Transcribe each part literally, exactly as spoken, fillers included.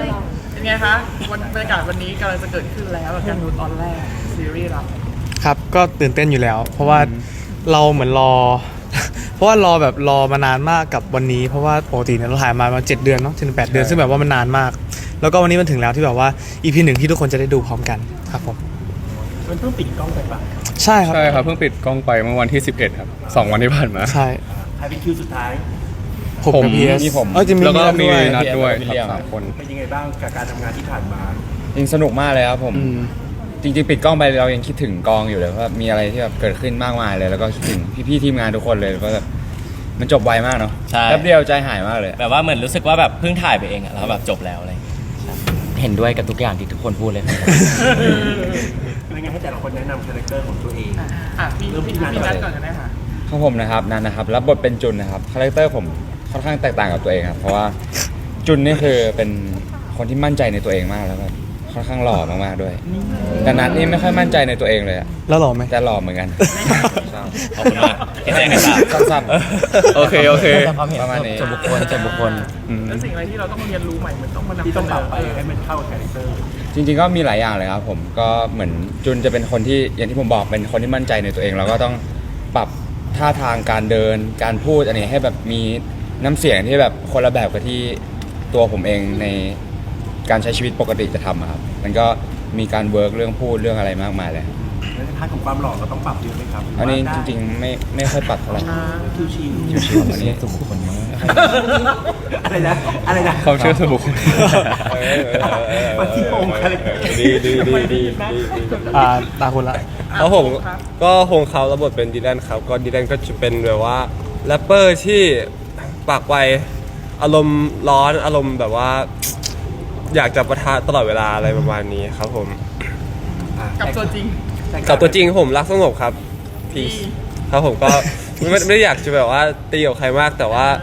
เป็นไงคะวันบรรยากาศวันนี้กำลังจะเกิดขึ้นแล้วกับการดูตอนแรกซีรีส์เราครับก็ตื่นเต้นอยู่แล้ว เพราะว่าเราเหมือนรอ เพราะว่ารอแบบรอมานานมากกับวันนี้ เพราะว่าปกติเนี่ยเราถ่ายมาประมาณเจ็ดเดือนเนาะถึงแปดเดือนซึ่งแบบว่ามันนานมาก แล้วก็วันนี้มันถึงแล้วที่แบบว่า อี พี หนึ่งที่ทุกคนจะได้ดูพร้อมกันครับผมมันเพิ่งปิดกล้องไปปะใช่ครับใช่ครับเพิ่งปิดกล้องไปเมื่อวันที่สิบเอ็ดครับสองวันที่ผ่านมาใช่ใครเป็นคิวสุดท้ายผมผมกับพีเอสมีผมเออจะมีแล้วก็มีด้วยนัดด้วยพี่ครับเลี้ยงสามคนเป็นยังไงบ้างกับการทำงานที่ผ่านมาจริงสนุกมากเลยครับผมอืมจริงๆปิดกล้องไปเรายังคิดถึงกองอยู่เลยว่ามีอะไรที่แบบเกิดขึ้นมากมายเลย แล้วก็คิดถึงพี่ๆทีมงานทุกคนเลยก็แบบมันจบไวมากเนาะใช่แป๊บเดียวใจหายมากเลยแบบว่าเหมือนรู้สึกว่าแบบเพิ่งถ่ายไปเองอะแล้วแบบจบแล้วอะไรอย่างเงี้ยครับเห็นด้วยกับทุกอย่างที่ทุกคนพูดเลยครับเป็นยังไงให้แต่ละคนแนะนำคาแรคเตอร์ของตัวเองอ่ะอ่ะพี่เริ่มพี่ที่นัทพี่ก่นัอนดก่อนกันได้ค่ะของผมนะครับนันนะครับรับบทเป็นจุนนะครับคาแรคเตอร์ผมค่อนข้างแตกต่างกับตัวเองครับเพราะว่าจุนนี่คือเป็นคนที่มั่นใจในตัวเองมากแล้วก็ค่อนข้างหล่อมากๆด้วยแต่นัทนี่ไม่ค่อยมั่นใจในตัวเองเลยอะแล้วหรอไหมแต่หล่อเหมือนกันขอบคุณมากเห็นใจกันครับสั้นโอเคโอเคแต่ความเห็นประมาณนี้ส่วนบุคคลส่วนบุคคลอืมแล้วสิ่งอะไรที่เราต้องเรียนรู้ใหม่เหมือนต้องมานำที่เสต้องนปรับอไปให้มันเข้ากับคาแรคเตอร์จริงๆก็มีหลายอย่างเลยครับผมก็เหมือนจุนจะเป็นคนที่อย่างที่ผมบอกเป็นคนที่มั่นใจในตัวเองแล้วก็ต้องปรับท่าทางการเดินการพูดอันนี้ให้แบบมีน้ำเสียงที่แบบคนละแบบกับที่ตัวผมเองในการใช้ชีวิตปกติจะทำอะครับมันก็มีการเวิร์กเรื่องพูดเรื่องอะไรมากมายเลยแล้วในพาร์ทของความหล่อเราต้องปรับเยอะไหมครับอันนี้จริงๆไม่ไม่ค่อยปรับเท่าไหร่ๆคิวชิวชิวๆอันนี้ทุกคนมากอะไรนะอะไรนะความเชื่อส่วนบุคคลมาที่โองคาแรคเตอร์ดีดีดีดีดีอ่าตาคุณละครับผมก็คงเขาระบทเป็นดีแลนครับก็ดีแลนก็จะเป็นแบบว่าแรปเปอร์ที่ปากไวอารมณ์ร้อนอารมณ์แบบว่า อยากจะประทะตลอดเวลาอะไรประมาณนี้ครับผมกับตัวจริงกับตัวจริงผมรักสงบครับพีซครับผมก็ไม่ไม่ได้อยากจะแบบว่าตีกับใครมากแต่ว่า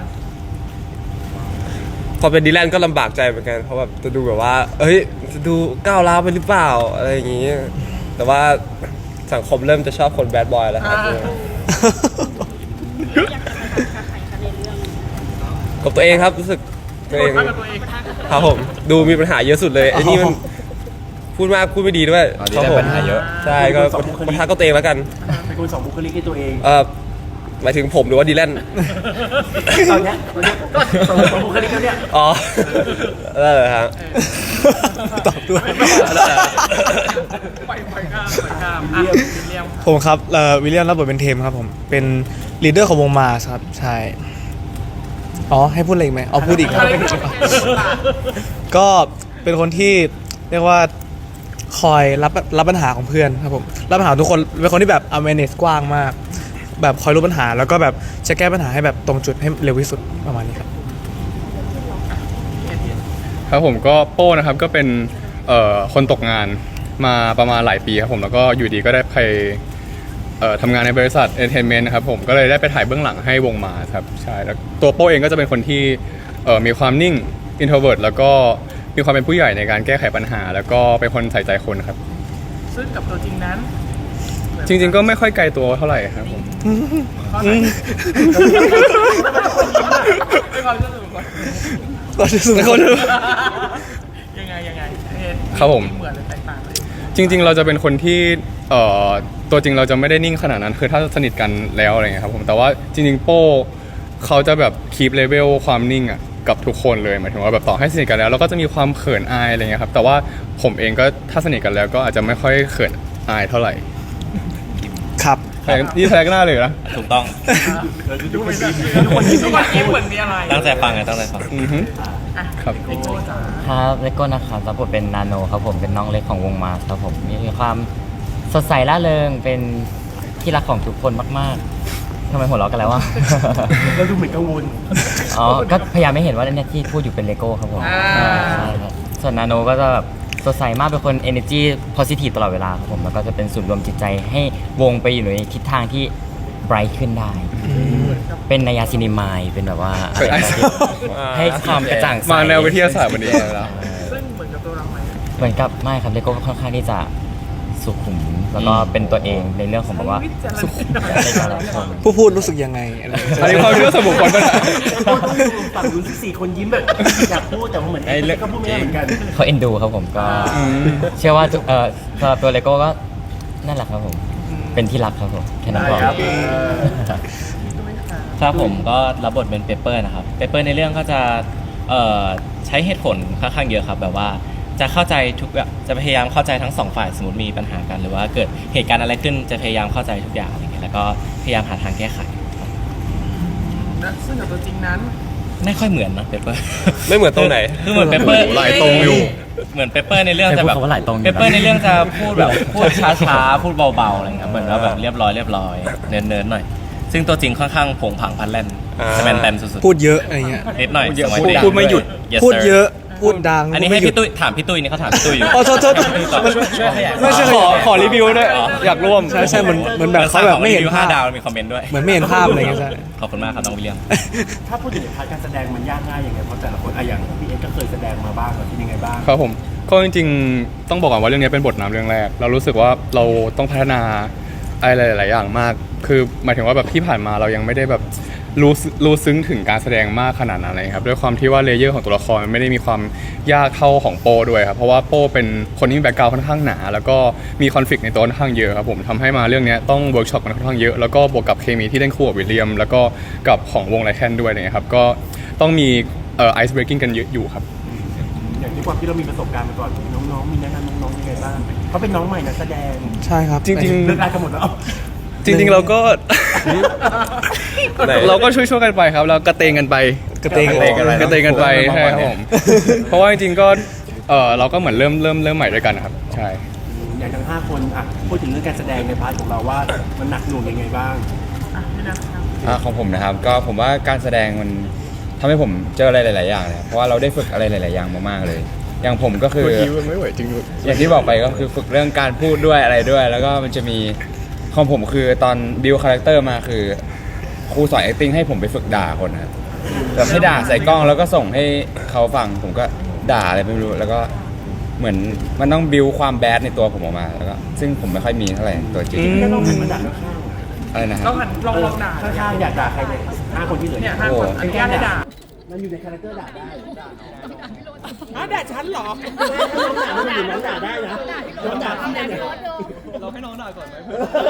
พอเป็นดีแลนก็ลำบากใจเหมือนกันเพราะแบบจะดูแบบว่า เอ้ยจะดูก้าวร้าวไปหรือเปล่าอะไรอย่างนี้ แต่ว่าสังคมเริ่มจะชอบคนแบดบอยแล้วครับอ่ากับตัวเองครับรู้สึกตัวเองปะทะกับตัวเองครับผมดูมีปัญหาเยอะสุดเลยไอ้นี่มันพูดมากพูดไม่ดีด้วยอ๋อดีครับได้ผมปัญหาเยอะใช่ก็ปัญหาก็ตัวเองแล้วกันเป็นคนสองบุคลิกให้ตัวเองเออหมายถึงผมหรือว่าดีแลนตอนเนี้ยตอนเนี้ยสองบุคลิกแล้วเนี่ยอ๋อนั่นแหละครับตอบด้วยไปไปข้ามไปข้ามอ่ะวิลเลียมผมครับเอ่อวิลเลียมรับบทเป็นเทมครับผมเป็นลีดเดอร์ของวงมาสครับใช่อ๋อให้พูดอะไรอีกไหมเอาพูดอีกครับ ก็เป็นคนที่เรียกว่าคอยรับรับปัญหาของเพื่อนครับผมรับปัญหาทุกคนเป็นคนที่แบบ awareness กว้างมาก แบบคอยรู้ปัญหาแล้วก็แบบจะแก้ปัญหาให้แบบตรงจุดให้เร็วที่สุดประมาณนี้ครับครับผมก็โป้นะครับก็เป็นเอ่อคนตกงานมาประมาณหลายปีครับผมแล้วก็อยู่ดีก็ได้ไปเอ่อทำงานในบริษัทเอนเตอร์เทนเมนต์นะครับผมก็เลยได้ไปถ่ายเบื้องหลังให้วงมาครับใช่แล้วตัวโป้เองก็จะเป็นคนที่เอ่อมีความนิ่ง introvert แล้วก็มีความเป็นผู้ใหญ่ในการแก้ไขปัญหา แล้วก็เป็นคนใส่ใจคนครับซึ่งกับตัวจริงนั้นจริงๆก็ไม่ค่อยไกลตัวเท่าไหร่ครับผมข้อไหนไม่ความรู้สึกก่อนก็จะสุดคนยังไงยังไงเห็นครับผมเหมือนหรือแตกต่างเลยจริงๆ เราจะเป็นคนที่เอ่อตัวจริงเราจะไม่ได้นิ่งขนาดนั้นคือถ้าสนิทกันแล้วอะไรเงี้ยครับผมแต่ว่าจริงๆ โป้เขาจะแบบคีปเลเวลความนิ่งอ่ะกับทุกคนเลยหมายถึงว่าแบบต่อให้สนิทกันแล้วเราก็จะมีความเขินอายอะไรเงี้ยครับแต่ว่าผมเองก็ถ้าสนิทกันแล้วก็อาจจะไม่ค่อยเขินอายเท่าไหร่ครับแทงนี่แทงหน้าเลยนะถูกต้องทุกคนทุกคนทุกคนยิ้มเหมือนมีอะไรตั้งใจฟังไงตั้งใจฟังอือฮึอ่ะครับโก้จ๋าครับเลโก้นะครับรับบทเป็นนาโนครับผมเป็นน้องเล็กของวงมาครับผมมีความสดใสร่าเริงเป็นที่รักของทุกคนมากๆทำไมหัวเราะกันแล้ววะเราดูเหมือนกังวลอ๋อก็พยายามไม่เห็นว่าเนี่ยที่พูดอยู่เป็นเลโก้ครับผมใช่ครับส่วนนาโนก็จะแบบสดใสมากเป็นคน energy positive ตลอดเวลาครับผมแล้วก็จะเป็นศูนย์รวมจิตใจให้วงไปอยู่ในทิศทางที่ bright ขึ้นได้ เป็นนายาซินิมายเป็นแบบว่าอะไรแบบนี้ให้ความกระจ่างใสมาแนววิทยาศาสตร์วันนี้แล้วซึ่งเหมือนกับตัวเราไหมเหมือนกับไม่ครับเลโก้ก็ค่อนข้างที่จะสุขุม แล้วก็เป็นตัวเองในเรื่องของแบบว่าสุขุมในการรับชมผู้พูดรู้สึกยังไงอะไรอย่างเงี้ยอันนี้ความเชื่อส่วนบุคคลป่ะต้องดูฝั่งนู้นสิสี่คนยิ้มแบบอยากพูดแต่ว่าเหมือนก็พูดไม่ได้เหมือนกันเขาเอ็นดูครับผมก็เชื่อว่าทุกเอ่อสำหรับตัวเลโก้ก็นั่นแหละครับผม เป็นที่รักครับผมแค่นั้นพอครับผมก็รับบทเป็นเปเปอร์นะครับเปเปอร์ในเรื่องก็จะเอ่อใช้เหตุผลค่อนข้างเยอะครับแบบว่าจะเข้าใจทุกแบบจะพยายามเข้าใจทั้งสองฝ่ายสมมติมีปัญหากันหรือว่าเกิดเหตุการณ์อะไรขึ้นจะพยายามเข้าใจทุกอย่างอะไรเงี้ยแล้วก็พยายามหาทางแก้ไขและซึ่งกับตัวจริงนั้นไม่ค่อยเหมือนนะเปเปอร์ไม่เหมือนตรงไหนคือเหมือนเปเปอร์หลายตรงอยู่เหมือนเปเปอร์ในเรื่องจะแบบใช้พูดคำว่าหลายตรงอยู่เปนะเปอร์ในเรื่องจะพูดแบบพูดช้าๆพูดเบาๆอะไรเงี้ยเหมือนว่าแบบเรียบร้อยเรียบร้อยเนินๆหน่อย ซึ่งตัวจริงค่อนข้างผงผางพันแล่นอ่าสแปนแตนสุดๆพูดเยอะอะไรเงี้ยนิดหน่อยพูดเยอะสมัยพูดเด็กพูดไม่หยุด Yes, พูด sir เยอะพูดดังอันนี้พูดให้ไม่หยุพี่ดตุ้ยถามพี่ตุ้ยนี่เขาถามพี่ตุ้ยอยู่อ๋อโทษโทษมันช่วยขยายไม่ใช่ขอขอรีวิวด้วยอยากร่วมใช่ใช่เหมือนเหมือนแบบเขาแบบไม่เห็นห้าภาพดาวมีคอมเมนต์ด้วยเหมือนไม่เห็นภาพอะไรเงี้ยใช่ขอบคุณมากครับน้องวิลเลียมถ้าพูดถึงพาร์ทการแสดงมันยากง่ายยังไงเพราะแต่ละคนอะอย่างพี่เอ็กก็เคยแสดงมาบ้างเป็นยังไงบ้างครับผมก็จริงๆ ต้องบอกก่อนว่าเรื่องนี้เป็นบทนำเรื่องแรก เรารู้สึกว่าเราต้องพัฒนาอะไรหลายๆอย่างมาก คือหมายถึงว่าแบบที่ผ่านมาเรายังไม่ได้แบบรู้สึรู้ซึ้งถึงการแสดงมากขนาดนั้นเลยครับด้วยความที่ว่าเลเยอร์ของตัวละครมันไม่ได้มีความยากเท่าของโปด้วยครับเพราะว่าโปเป็นคนที่มีแบ็คกราวด์ค่อนข้างหนาแล้วก็มีคอนฟ lict ในตัวค่อนข้างเยอะครับผมทำให้มาเรื่องนี้ต้องเวิร์กช็อปกันค่อนข้างเยอะแล้วก็บวกกับเคมีที่เล่นคู่กับวิลเลียมแล้วก็กับของวงไลแคนด้วยเนี่ยครับก็ต้องมีเอ่อไอซ์เบรกกิ้งกันเยอะอยู่ครับอย่างที่ความที่เรามีประสบการณ์มาก่อนน้องๆมีแนะนำน้องๆยังไงบ้างเขาเป็นน้องใหม่นักแสดงใช่ครับจริงเลิกได้กันหมดแล้วๆ จริงๆเราก็ไหนเราก็ช่วยๆกันไปครับเรากระเตงกันไปกระเตงกระเตงกันไปกระเตงกันไปใช่ครับผมเพราะว่าจริงๆก็เออเราก็เหมือนเริ่มเริ่มเริ่มใหม่ด้วยกันนะครับใช่อย่างทั้งห้าคนอ่ะพูดถึงเรื่องการแสดงในพาร์ทของเราว่ามันหนักหน่วงยังไงบ้างอ่ะพี่นะครับอ่าของผมนะครับก็ผมว่าการแสดงมันทำให้ผมเจออะไรหลาย ๆ อย่างเลยเพราะว่าเราได้ฝึกอะไรหลาย ๆ อย่างมากๆเลย อย่างผมก็คือไม่ไหวจริงอย่างที่บอกไปก็คือฝึกเรื่องการพูดด้วยอะไรด้วย แล้วก็มันจะมีของผมคือตอนบิวคาแรคเตอร์มาคือครูสอน acting ให้ผมไปฝึกด่าคนนะครับแบบให้ด่าใส่กล้องแล้วก็ส่งให้เขาฟังผมก็ด่าอะไรไม่รู้แล้วก็เหมือนมันต้องบิวความแบดในตัวผมออกมาแล้วก็ซึ่งผมไม่ค่อยมีเท่าไหร่ตัวจริงแค่ต้องหันมาด่าข้างอะไรนะคลรัอบ งหันลองลองด่าๆข้างๆอยากด่าใครเลยห้าคนที่เหลือเนี่ยห้าคนอนุญาตให้ด่ามันอยู่ในคาแรคเตอร์ด่าได้อ้าวด่าฉันเหรอน้องด่าไม่อยู่น้องด่าได้นะน้องด่าพี่ได้เนี่ยเราให้น้องด่าก่อนไหม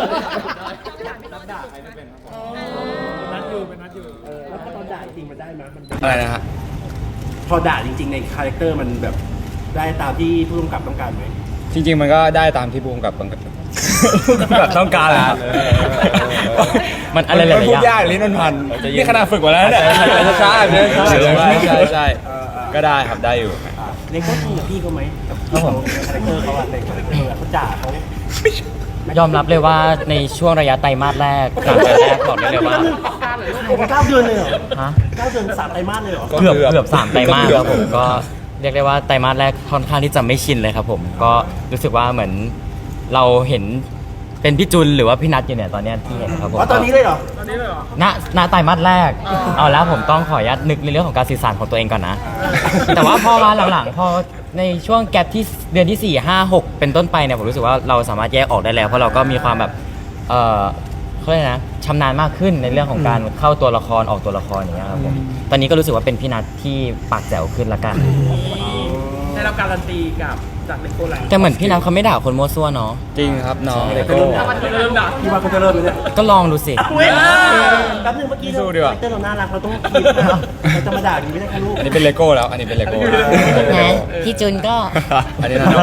นัดอยู่เป็นนัดอยู่เออแล้วพอตอนด่าจริงมันได้ไหมมันอะไรนะฮะพอด่าจริงๆในคาแรคเตอร์มันแบบได้ตามที่ผู้กำกับต้องการไหมจริง ๆ มันก็ได้ตามที่ภูมิกับบังแบบต้องการแหละครับมันอะไรหลายๆพูอดย่างยากลิ้นมันพันนี่ขนาดฝึกมาแล้วเนี่ยใช่ใช่ใช่ใช่ใช่ใช่ก็ได้ครับได้อยู่เลโก้จริงกับพี่เขาไหมกับพี่เขาคาแรคเตอร์เขาอะในคาแรคเตอร์เขาด่าเขายอมรับเลยว่าในช่วงระยะไตรมาสแรกสามเดือนแรกบอกได้เลยว่าผมเก้าเดือนเลยเหรอฮะเก้าเดือนสามไตรมาสเลยเหรอก็เกือบเกือบเกือบสามไตรมาสเกืคอบรับผมก็เรียกได้ว่าไตรมาสแรกค่อนข้างที่จะไม่ชินเลยครับผมก็รู้สึกว่าเหมือนเราเห็นเป็นพี่จุนหรือว่าพี่นัทอยู่เนี่ยตอนเนี้ยที่เห็นครับผมอ๋อตอนนี้เลยเหรอตอนนี้เลยเหรอณณไตรมาสแรกเอาแล้วผมต้องขออนุญาตนึกในเรื่องของการสื่อสารของตัวเองก่อนนะ แต่ว่าพอมาหลังๆพอในช่วงแกปที่เดือนที่สี่ ห้า หกเป็นต้นไปเนี่ยผมรู้สึกว่าเราสามารถแยกออกได้แล้วเพราะเราก็มีความแบบเออเขาเรียกนะชำนาญมากขึ้นในเรื่องของการเข้าตัวละครออกตัวละครอย่างเงี้ยครับผมตอนนี้ก็รู้สึกว่าเป็นพี่นัทที่ปากแจ๋วขึ้นละกันได้รับการันตีกับจากเลโก้แลนด์แต่เหมือนพี่นัทเขาไม่ด่าคนมั่วซั่วเนาะจริงครับน้องเลเป็นโก้เรื่องด่าวันนี้เริ่มด่าพี่ว่าเขาจะเริ่มเลยเนี่ยก็ลองดูสิเว้ยแป๊บนึงเมื่อกี้สู้เราดีกว่าคาแรคเตอร์เราน่ารักเราต้องคิดนะเราจะมาด่าอย่างนี้ไม่ได้ค่ะลูกอันนี้เป็นเลโก้แล้ว อันนี้เป็นเลโก้นะพี่จุนก็อันนี้นะน้อง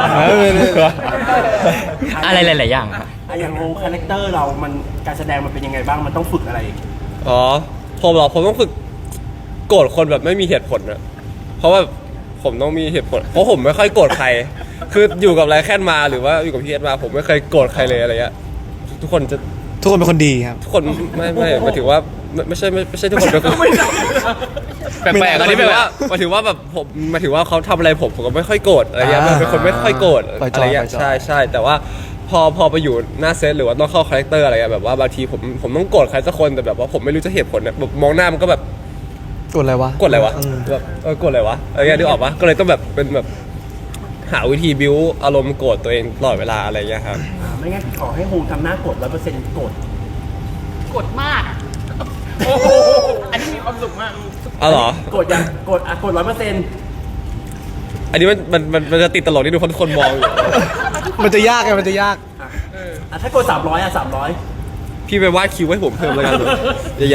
อะไรหลายๆอย่างครับอะอย่างโงคาแรคเตอร์เรามันการแสดงมันเป็นยังไงบ้างมันต้องฝึกอะไรอ๋อผมเหรอผมต้องฝึกโกรธคนแบบไม่มีเหตุผลนะเพราะว่าผมต้องมีเหตุผลเพราะผมไม่ค่อยโกรธใคร คืออยู่กับไรแค่นมาหรือว่าอยู่กับพี่เอสมาผมไม่เคยโกรธใครเลยอะไรเงี้ยทุกคนจะทุกคนเป็นคนดีครับทุกคนไม่ไม่หมายถึงว่าไม่ไม่ใช่ไม่ไม่ใช่ทุกคนเป็นคนแปลกๆอันนี้หมายแปลถึงกว่าหมายถึงว่าแบบผมหมายถึงว่าเขาทำอะไรผมผมก็ไม่ค่อยโกรธอะไรเงี้ยอ่าเป็นคนไม่ค่อยโกรธปล่อยจอะอยไรเงี้ยปล่อยจอยใช่ใช่แต่ว่าพอพอไปอยู่หน้าเซตหรือว่าต้องเข้าคาแรคเตอร์อะไรเงี้ยแบบว่าบางทีผมผมต้องโกรธใครสักคนแต่แบบว่าผมไม่รู้จะเหตุผลเนี่ยแบบมองหน้ามันก็แบบกดอะไรวะกดอะไรวะอืมแบบเออกดอะไรวะอะไรเงี้ยนึกออกปะก็เลยต้องแบบเป็นแบบหาวิธีบิวอารมณ์โกรธตัวเองตลอดเวลาอะไรอย่างเงี้ยครับอ่าไม่งั้นขอให้โฮมทำหน้ากดร้อยเปอร์เซ็นต์กดกดมากอะโอ้โหอันนี้มีความสุขมากอ๋อเหรอกดยังกดอ่ะกดร้อยเปอร์เซ็นต์อันนี้มันมันมันมันจะติดตลกที่ดูคนคนมองอยู่มันจะยากไงมันจะยากอ่ะถ้ากดสามร้อยอ่ะสามร้อยพี่ไปวาดคิวให้ผมเพิ่มแล้วกันใหญ่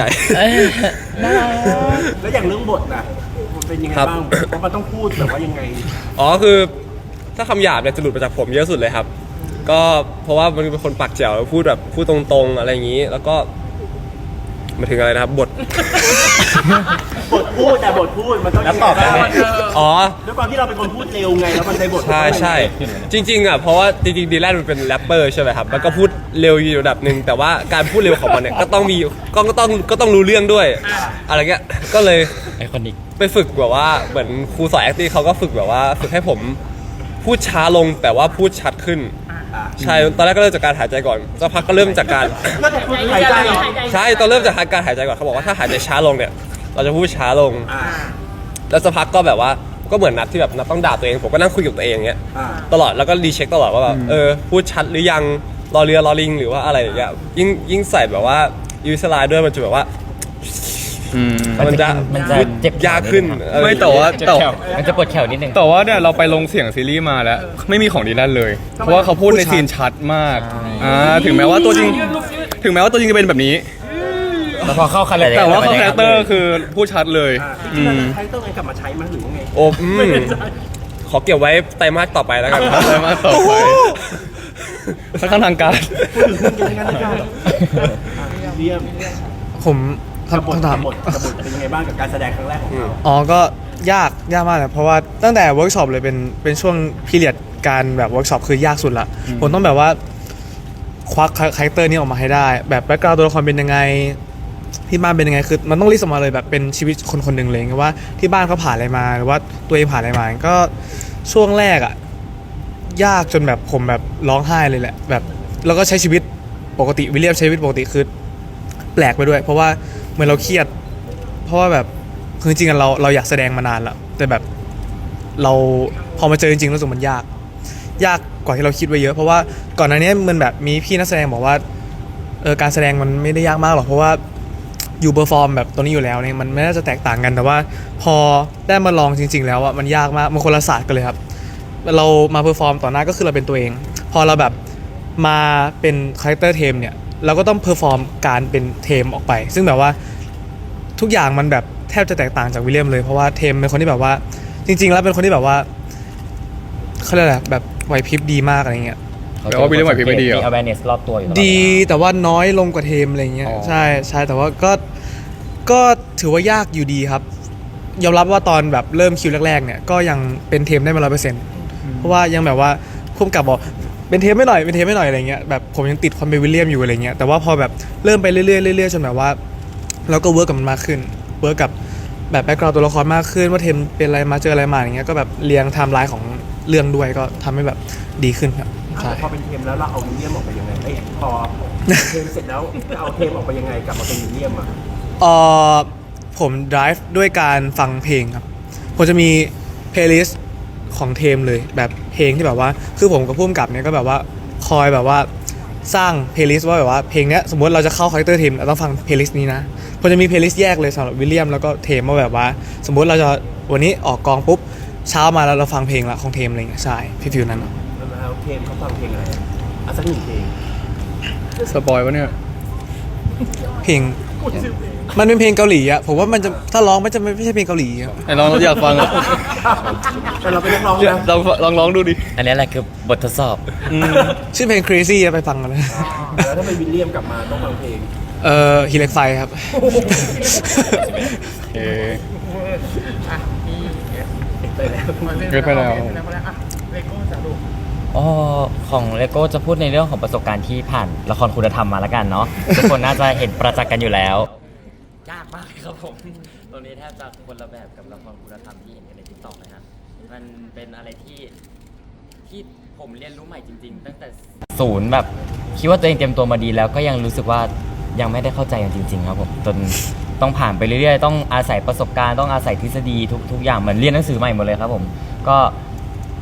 แล้วอย่างเรื่องบทน่ะมันเป็นยังไงครับบ้างเพราะมันต้องพูดแบบว่ายังไงๆอ๋อคือถ้าคำหยาบเนี่ยจะหลุดมาจากผมเยอะสุดเลยครับ ก็เพราะว่ามันเป็นคนปากแจ๋วพูดแบบพูดตรงๆอะไรอย่างนี้ แล้วก็มาถึงอะไรนะครับบทบทพูดแต่บทพูดมันต้องแล้วตอบได้ไหมอ๋อด้วยความที่เราเป็นคนพูดเร็วไงแล้วมันในบทใช่ใช่จริงๆอ่ะเพราะว่าจริงๆดีแลนมันเป็นแรปเปอร์ใช่ไหมครับมันก็พูดเร็วอยู่ระดับหนึ่งแต่ว่าการพูดเร็วของมันเนี่ยก็ต้องมีก็ก็ต้องก็ต้องรู้เรื่องด้วยอะไรเงี้ยก็เลยไอคอนิกไปฝึกแบบว่าเหมือนครูสอน acting เขาก็ฝึกแบบว่าฝึกให้ผมพูดช้าลงแต่ว่าพูดชัดขึ้นใช่ตอนแรกก็เริ่มจากการหายใจก่อนสักพักก็เริ่มจากการก็จะพูดหายใจเหรอใช่ตอนเริ่มจากการหายใจก่อนเขาบอกว่าถ้าหายใจช้าลงเนี่ยเราจะพูดช้าลงอ่าแล้วสักพักก็แบบว่าก็เหมือนนัดที่แบบนัดต้องด่าตัวเองผมก็นั่งคุยกับตัวเองอย่างเงี้ยอ่าตลอดแล้วก็รีเช็คตลอดว่าแบบเออพูดชัดหรือยังรอเรือรอลิงหรือว่าอะไรอย่างเงี้ยยิ่งยิ่งใส่แบบว่ายูสไลด์ด้วยมันจะแบบว่าอืมมันจะมันจะเจ็บแขนยากขึ้นนิดนึงเออไม่แต่ว่าเจ็บแต่แขวมันจะปวดแขวนิดนึงแต่ว่าเนี่ยเราไปลงเสียงซีรีส์มาแล้ว ไม่มีของดีแลนเลย เพราะว่าเขาพูดในซีนชัดมากอ่าถึงแม้ว่าตัวจริง ถึงแม้ว่าตัวจริงจะเป็นแบบนี้แล้วพอเข้าคาแรคเตอร์แต่ว่าเขาคาแรคเตอร์คือพูดชัดเลยอ่าอืที่เรามจะใช้ต้องไงกลับมาใช้มั้ยหรือว่าไงโอ้อืมขอเก็บไว้ไตรมาสต่อไปแล้วกันครับไตรมาสต่อไป สักขั้นทางการพูดถึงเรื่องยังไงกันนะครับอ่ะเรียมผมกับบทคำถามกับบทกับบทเป็นยังไงบ้างกับการแสดงครั้งแรกของเราอ๋อ ก็ยาก ยากมากเลยเพราะว่าตั้งแต่เวิร์กช็อปเลยเป็นเป็นช่วงพีเรียดการแบบเวิร์กช็อปคือยากสุดละ ผมต้องแบบว่าควักคาแรคเตอร์นี้ออกมาให้ได้ แบบแบ็คกราวด์ตัวละครเป็นยังไง ที่บ้านเป็นยังไง คือมันต้องลิสต์ออกมาเลยแบบเป็นชีวิตคนคนหนึ่งเลยว่าที่บ้านเขาผ่านอะไรมาหรือว่าตัวเองผ่านอะไรมา ก็ช่วงแรกอ่ะยากจนแบบผมแบบร้องไห้เลยแหละแบบแล้วก็ใช้ชีวิตปกติวิลเลียมใช้ชีวิตปกติคือแปลกไปด้วย เพราะว่าเหมือนเราเครียด เพราะว่าแบบคือจริงๆเราเราอยากแสดงมานานแล้วแต่แบบเราพอมาเจอจริงๆรู้สึกมันยาก ยากกว่าที่เราคิดไว้เยอะเพราะว่าก่อนหน้านี้มันแบบมีพี่นักแสดงบอกว่าเออการแสดงมันไม่ได้ยากมากหรอกเพราะว่าอยู่เปอร์ฟอร์มแบบตัวนี้อยู่แล้วเนี่ยมันไม่น่าจะแตกต่างกันแต่ว่าพอได้มาลองจริง ๆ แล้วอ่ะมันยากมากมันคนละศาสตร์กันเลยครับเรามาเพอร์ฟอร์มต่อหน้าก็คือเราเป็นตัวเอง พอเราแบบมาเป็นคาแรคเตอร์เทมเนี่ยเราก็ต้องเพอร์ฟอร์มการเป็นเทมออกไป ซึ่งแบบว่าทุกอย่างมันแบบแทบจะแตกต่างจากวิลเลียมเลยเพราะว่าเทมเป็นคนที่แบบว่าจริง ๆ แล้วเป็นคนที่แบบว่าเขาเรียกอะไรแบบไหวพริบดีมากอะไรเงี้ยแปลว่าวิลเลียมไหวพริบไม่ดีเหรอมี awareness รอบตัวอยู่ตลอดเวลาดีแต่ว่าน้อยลงกว่าเทมอะไรเงี้ยอ๋อใช่ใช่แต่ว่าก็ก็ถือว่ายากอยู่ดีครับ ยอมรับว่าตอนแบบเริ่มคิวแรกๆเนี่ยก็ยังเป็นเทมได้ไม่ร้อยเปอร์เซ็นต์เพราะว่ายังแบบว่าพุ่มกับบอกเป็นเทมไม่หน่อยเป็นเทมไม่หน่อยอะไรเงี้ยแบบผมยังติดความเป็นวิลเลียมอยู่อะไรเงี้ยแต่ว่าพอแบบเริ่มไปเรื่อยๆเรื่อยๆจนแบบว่าเราก็เวิร์กกับมันมากขึ้นเวิร์กกับแบบแบ็คกราวด์ตัวละครมากขึ้นว่าเทมเป็นอะไรมาเจออะไรมาอย่างเงี้ยก็แบบเรียงไทม์ไลน์ของเรื่องด้วยก็ทำให้แบบดีขึ้นครับใช่พอเป็นเทมแล้วเราเอาวิลเลียมออกไปยังไงเอ้ยพอเทมเสร็จแล้วเอาเทมออกไปยังไงกลับมาเป็นวิลเลียมอ่ะเอ่อผม drive ด้วยการฟังเพลงครับผมจะมี playlist ของเทมเลยแบบเพลงที่แบบว่าคือผมกับผู้กำกับเนี่ยก็แบบว่าคอยแบบว่าสร้าง playlist ว่าแบบว่าเพลงเนี้ยสมมติเราจะเข้าคาแรคเตอร์เทมเราต้องฟัง playlist นี้นะผมจะมี playlist แยกเลยสำหรับวิลเลียมแล้วก็เทมว่าแบบว่าสมมติเราจะวันนี้ออกกองปุ๊บเช้ามาแล้วเราฟังเพลงละของเทมอะไรเงี้ยใช่ฟิวๆนั้นอะแล้วเทมเขาฟังเพลงอะไรอ่ะอ่ะสักหนึ่งเพลงสปอยวะเนี่ยเพลงมันเป็นเพลงเกาหลีอะผมว่ามันจะถ้าร้องมันจะไม่ใช่เพลงเกาหลีอะไอ้ลองอยากฟังอะแต่เราเป็นนักร้องอยากนะลองลองร้องดูดิอันนี้แหละคือบททดสอบชื่อเพลง crazy อะไปฟังกันเลยแล้วถ้าเป็นวิลเลียมกลับมาต้องฟังเพลงเอ่อฮีเล็กไฟครับโอเคอ่ะนี่ไปแล้วเกิดไปแล้วเกิดไปแล้วอ่ะเลโก้จะดูอ๋อของเลโก้จะพูดในเรื่องของประสบการณ์ที่ผ่านละครคุณธรรมมาแล้วกันเนาะ ทุกคนน่าจะเห็นประจักษ์กันอยู่แล้ว ยากมากครับผมตรงนี้แทบจะคนละแบบกับละครคุณธรรมที่เห็นกันในทิกตอกเลยฮะมันเป็นอะไรที่ที่ผมเรียนรู้ใหม่จริง ๆ ตั้งแต่ศูนย์แบบคิดว่าตัวเองเตรียมตัวมาดีแล้วก็ยังรู้สึกว่ายังไม่ได้เข้าใจกันจริง ๆ ครับผมจนต้องผ่านไปเรื่อยๆต้องอาศัยประสบการณ์ต้องอาศัยทฤษฎีทุกทุกอย่างเหมือนเรียนหนังสือใหม่หมดเลยครับผมก็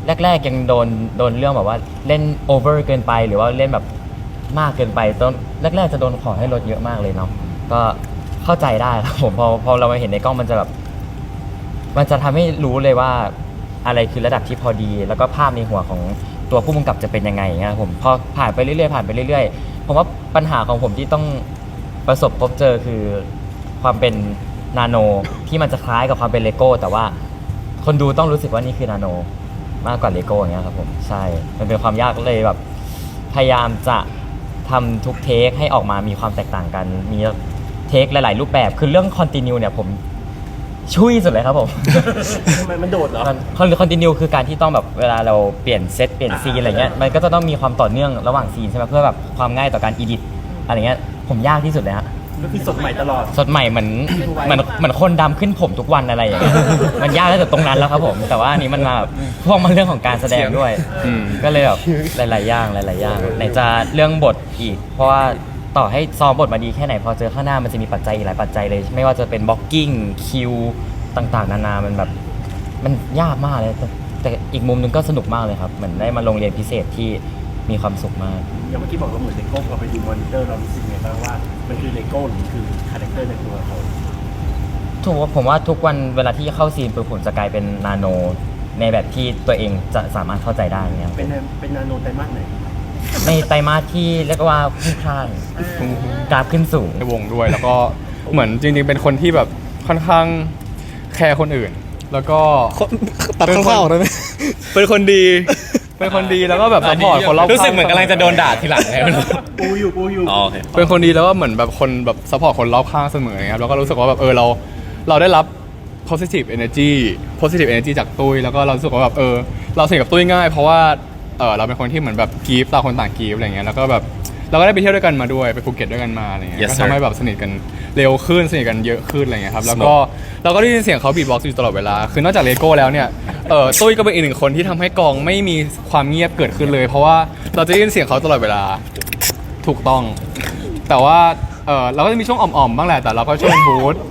แรกๆยังโดนโดนเรื่องแบบว่าเล่นโอเวอร์เกินไปหรือว่าเล่นแบบมากเกินไปตอนแรกๆจะโดนขอให้ลดเยอะมากเลยเนาะก็เข้าใจได้ครับผมพอพอเรามาเห็นในกล้องมันจะแบบมันจะทำให้รู้เลยว่าอะไรคือระดับที่พอดี แล้วก็ภาพในหัวของตัวผู้กำกับจะเป็นยังไงอย่างเงี้ยผมพอผ่านไปเรื่อยๆผ่านไปเรื่อยๆผมว่าปัญหาของผมที่ต้องประสบพบเจอคือความเป็นนาโนที่มันจะคล้ายกับความเป็นเลโก้แต่ว่าคนดูต้องรู้สึกว่านี่คือนาโนมากกว่าเลโก้อย่างเงี้ยครับผมใช่มันเป็นความยากเลยแบบพยายามจะทำทุกเทคให้ออกมามีความแตกต่างกันมีเทคหลายๆรูปแบบคือเรื่องคอนติเนียเนี่ยผมช่วยสุดเลยครับผมทำไมมันโดดเหรอคอนคอนติเนียคือการที่ต้องแบบเวลาเราเปลี่ยนเซตเปลี่ยนซีนอะไรเงี้ยมันก็จะต้องมีความต่อเนื่องระหว่างซีนใช่ไหมเพื่อแบบความง่ายต่อการอีดิทอะไรเงี้ยผมยากที่สุดเลยฮะก็คือสดใหม่ตลอดสดใหม่เหมือนเหมือนเหมือนคนดำขึ้นผมทุกวันอะไรอย่างเงี้ย มันยากตั้งแต่ตรงนั้นแล้วครับผม แต่ว่าอันนี้มันมาแบบพ่วงมาเรื่องของการแสดงด้วยอืมก็เลยแบบหลายๆอย่างหลายๆอย่างไหนจะเรื่องบทอีก เพราะว่าต่อให้ซ้อมบทมาดีแค่ไหนพอเจอข้างหน้ามันจะมีปัจจัยอีกหลายปัจจัยเลย ไม่ว่าจะเป็นบล็อกกิ้งคิวต่างๆนานามันแบบมันยากมากเลยแต่แต่อีกมุมหนึงก็สนุกมากเลยครับเหมือนได้มาลงเรียนพิเศษที่มีความสุขมากอย่างเมื่อกี้บอกเราเหมือนเลโก้เราไปดูมอนิเตอร์เรารู้สึกไงบ้างว่ามันคือเลโก้หรือคือคาแรคเตอร์ในตัวเขาถูกว่าผมว่าทุกวันเวลาที่เข้าซีนปุ๊บผมจะกลายเป็นนาโนในแบบที่ตัวเองจะสามารถเข้าใจได้เงี้ยเป็นเป็นนาโนไตรมาสไหนในไตรมาสที่เรียกว่าพุ่งพล่านกราฟขึ้นสูงในวงด้วยแล้วก็เหมือนจริงๆเป็นคนที่แบบค่อนข้างแคร์คนอื่น แล้วก็คนตัดคร่าวๆได้ไหมเป็นคนดี เป็นคนดีแล้วก็แบบซัพพอร์ตคนรอบข้างรู้สึกเหมือนกำลังจะโดนด่าทีหลังเลยปูอยู่ปูอยู่อ๋อโอเคเป็นคนดีแล้วก็เหมือนแบบคนแบบซัพพอร์ตคนรอบข้างเสมอครับแล้วก็รู้สึกว่าแบบเออเราเราได้รับ positive energy positive energy จากตุ้ยแล้วก็เรารู้สึกว่าแบบเออเราสนิทกับตุ้ยง่ายเพราะว่าเออเราเป็นคนที่เหมือนแบบกีฟต่างคนต่างกีฟอะไรเงี้ยแล้วก็แบบเราก็ได้ไปเที่ยวด้วยกันมาด้วยไปภูเก็ตด้วยกันมาอะไรเงี้ย Yes, ก็ sir. ทำให้แบบสนิทกันเร็วขึ้นสนิทกันเยอะขึ้นอะไรเงี้ยครับแล้วก็เราก็ได้ยินเสียงเขาบีทบ็อกซ์อยู่ตลอดเวลาคือนอกจากเลโก้แล้วเนี่ยเออตุ้ยก็เป็นอีกหนึ่งคนที่ทำให้กองไม่มีความเงียบเกิดขึ้นเลย เพราะว่าเราจะได้ยินเสียงเขาตลอดเวลาถูกต้อง แต่ว่าเออเราก็จะมีช่วงอ่อมๆบ้างแหละแต่เราก็ช่วงบูธ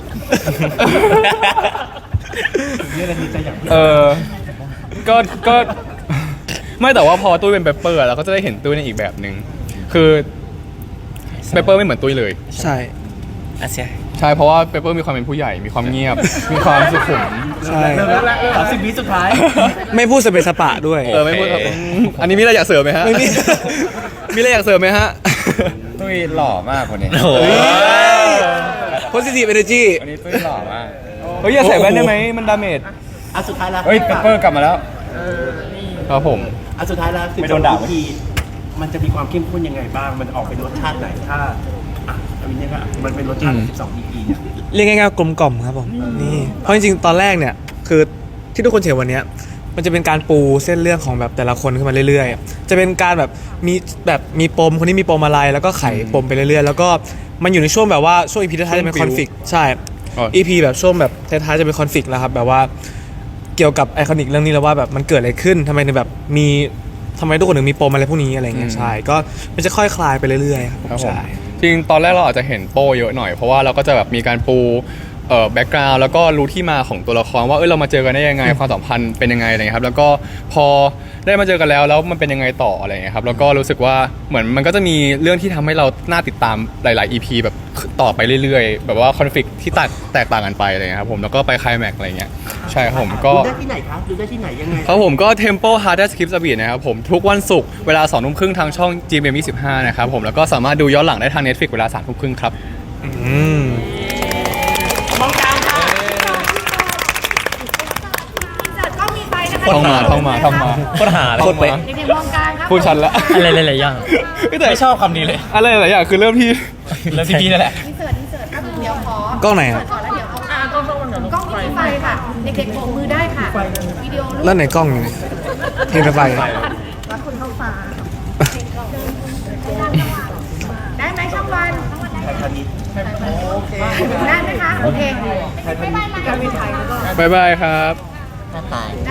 เนี่ยนาทีใจอย่างเออก็ก็ไม่แต่ว่าพอตุ้ยเป็นเปเปอร์เราก็จะได้เห็นตุ้ยในอีกแบบหนึ่งคือเปเปอร์ไม่เหมือนตุ้ยเลยใช่อาเซียใช่เพราะว่าเปเปอร์มีความเป็นผู้ใหญ่มีความเงียบ มีความสุขุมใช่เริ่มแล้วสามสิบวิสุดท้ายไม่พูดสเปซสปะด้วยเออไม่พูดครับอืมอันนี้มีอะไรอยากเสริมไหมฮะไม่มีมีอะไรอยากเสริมไหมฮะตุ้ยหล่อมากคนนี้โอ้โห positive energy วันนี้ตุ้ยหล่อมากเฮ้ยอย่าใส่แว่นได้ไหมมันดาเมจอ่ะสุดท้ายแล้วเฮ้ยเปเปอร์กลับมาแล้วครับผมอ่ะสุดท้ายแล้วสิบไม่สโดองนด่าอีพีมันจะมีความเข้มข้นยังไงบ้าง มันออกเป็นรสชาติไหนถ้าอ่ะอันนี้ก็มันเป็นรสชาติสิบสองอีพีเนี่ยเรียกง่ายๆว่ากลมกล่อมครับผมนี่เพราะจริงๆตอนแรกเนี่ยคือที่ทุกคนเห็นวันเนี้ยมันจะเป็นการปูเส้นเรื่องของแบบแต่ละคนขึ้นมาเรื่อยๆจะเป็นการแบบมีแบบมีปมคนนี้มีปมอะไรแล้วก็ไขปมไปเรื่อยๆแล้วก็มันอยู่ในช่วงแบบว่าช่วงอีพีท้ายๆจะเป็นคอนฟ lict ใช่อ๋ออีพีแบบช่วงแบบท้ายๆจะเป็นคอนฟ lict แล้วครับแบบว่าเกี่ยวกับไอคอนิกเรื่องนี้แล้วว่าแบบมันเกิดอะไรขึ้นทำไมถึงแบบมีทำไมทุกคนถึงมีปมอะไรพวกนี้อะไรเงี้ยใช่ก็มันจะค่อยคลายไปเรื่อยๆครับครับผมใช่จริงตอนแรกเราอาจจะเห็นโป้เยอะหน่อยเพราะว่าเราก็จะแบบมีการปูเอ่อแบ็กกราวด์แล้วก็รู้ที่มาของตัวละครว่าเออเรามาเจอกันได้ยังไงความสัมพันธ์เป็นยังไงอะไรเงี้ยครับแล้วก็พอได้มาเจอกันแล้วแล้วมันเป็นยังไงต่ออะไรเงี้ยครับแล้วก็รู้สึกว่าเหมือนมันก็จะมีเรื่องที่ทำให้เราน่าติดตามหลาย ๆ อี พี แบบต่อไปเรื่อย ๆ แบบว่าคอนฟ lict ที่แตกแตกต่างกันไปอะไรเงี้ยครับผมแล้วก็ไปไคลแม็กซ์อะไรเงี้ยใช่ครับผมก็ดูได้ที่ไหนครับดูได้ที่ไหนยังไงครับผมก็ Tempo Hardest Clips a Beat นะครับผมทุกวันศุกร์เวลาสองทุ่มครึ่งทางช่อง จี เอ็ม เอ็ม ยี่สิบห้านะครับผมแล้วก็สามารถดูย้อนหลังได้ทาง Netflix เวลาสามทุ่มครึ่งครับอืมจัดก็มีไปนะคะท่องมาท่องมาท่องมาโคตรหาเลยโคตรเป๊ะเด็กๆมองกลางครับพูดชันละอะไรหลายๆอย่างแต่ไม่ชอบคำนี้เลยอะไรหลายอย่างคือเริ่มที่แล้วพี่พี่นั่นแหละอินเสิร์ตอินเสิร์ตครับเดี๋ยวขอกล้องไหนครับก่อนแล้วเดี๋ยวเอาอ่ากล้องกล้องกล้องมีไฟค่ะ เด็กๆโบกมือได้ค่ะ วิดีโอรูปแล้วไหนกล้องอยู่ไหนเห็นไฟรักคนเข้าฟ้าได้ไหมช่องวันได้ไหมคะ โอเคไม่ไม่ไม่การมีไทยแล้วก็บ๊ายบายครับได้